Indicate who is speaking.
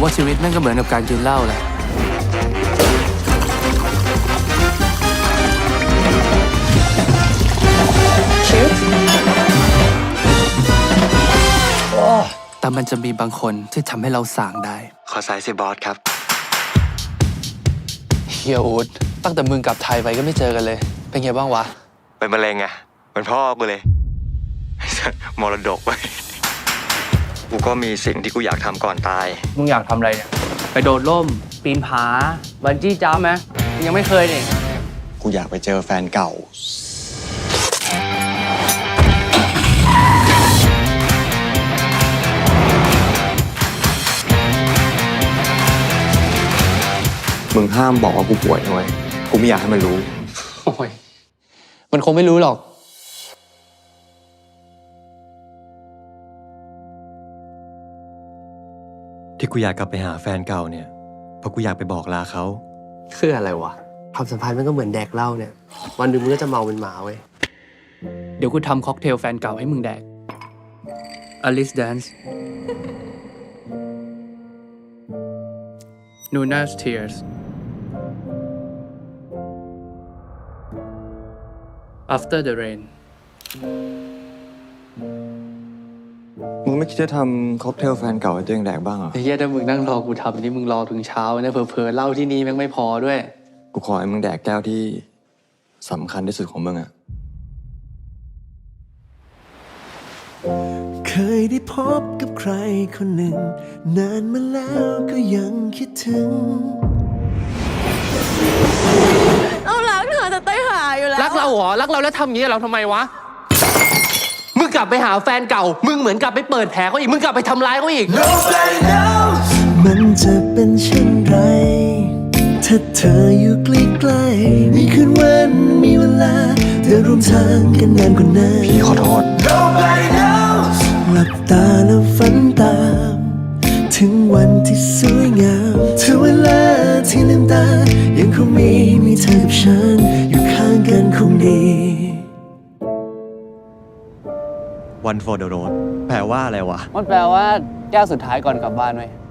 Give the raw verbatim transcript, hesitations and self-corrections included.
Speaker 1: ว่าชีวิตแม่งก็เหมือนกับการกินเหล้าแหละแต่มันจะมีบางคนที่ทำให้เราส่างได้
Speaker 2: ขอสายสิบอสครับ
Speaker 1: เฮียอูดตั้งแต่มึงกลับไทยไปก็ไม่เจอกันเลย เป็นไงบ้างวะ
Speaker 2: เป็นมะเร็งไงเป็นพ่อกูเลย มรดกไปกูก็มีสิ่งที่กูอยากทำก่อนตาย
Speaker 1: มึงอยากทำอะไรเนี่ยไปโดดร่มปีนผาบันจี้จ้ำไหมยังไม่เคยนี่
Speaker 2: กูอยากไปเจอแฟนเก่ามึงห้ามบอกว่ากูป่วยนะเว้ยกูไม่อยากให้มันรู้
Speaker 1: โอ้ยมันคงไม่รู้หรอก
Speaker 2: ที่กูอยากกลับไปหาแฟนเก่าเนี่ยเพราะกูอยากไปบอกลาเขา
Speaker 3: คืออะไรวะความสัมพันธ์มันก็เหมือนแดกเหล้าเนี่ยวันหนึ่งมึงก็จะเมาเป็นหมาเว้ย
Speaker 1: เดี๋ยวกูทำค็อกเทลแฟนเก่าให้มึงแดก Alice Dance Nuna's Tears After the Rain
Speaker 2: มึงไม่คิดจะทำค็อกเทลแฟนเก่าให้ตัวเองแดกบ้างเหรอ
Speaker 1: ไอ้เหี้ยถ้ามึงนั่งรอกูทำนี่มึงรอถึงเช้าเนี่ยเผลอๆเหล้าที่นี่แม่งไม่พอด้วย
Speaker 2: กูขอให้มึงแดกแก้วที่สำคัญที่สุดของมึงอะ
Speaker 4: เคยได้พบกับใครคนหนึ่งนานมาแล้วก็ยังคิดถึง
Speaker 5: เรารักเธอแต่ใต้หาอยู่แล้ว
Speaker 1: รักเราเหรอรักเราแล้วทำอย่างนี้เราทำไมวะมึงกลับไปหาแฟนเก่ามึงเหมือนกลับไปเปิดแผลเขาอีกมึงกลับไปทำร้ายเขาอีก
Speaker 4: Nobody knows มันจะเป็นเช่นไรถ้าเธออยู่ใกล้ๆมีคืนวันมีเวลาเธอร่วมทางกันนานกว่านั้น
Speaker 2: พี่ขอโทษ
Speaker 4: Nobody knows หลับตาแล้วฝันตามถึงวันที่สวยงามถึงเวลาที่ลืมตายังคงมีมีเธอกับฉันอยู่ข้างกันคงดี
Speaker 2: One for the road แปลว่าอะไรวะ
Speaker 1: มันแปลว่าแก้วสุดท้ายก่อนกลับบ้านไหม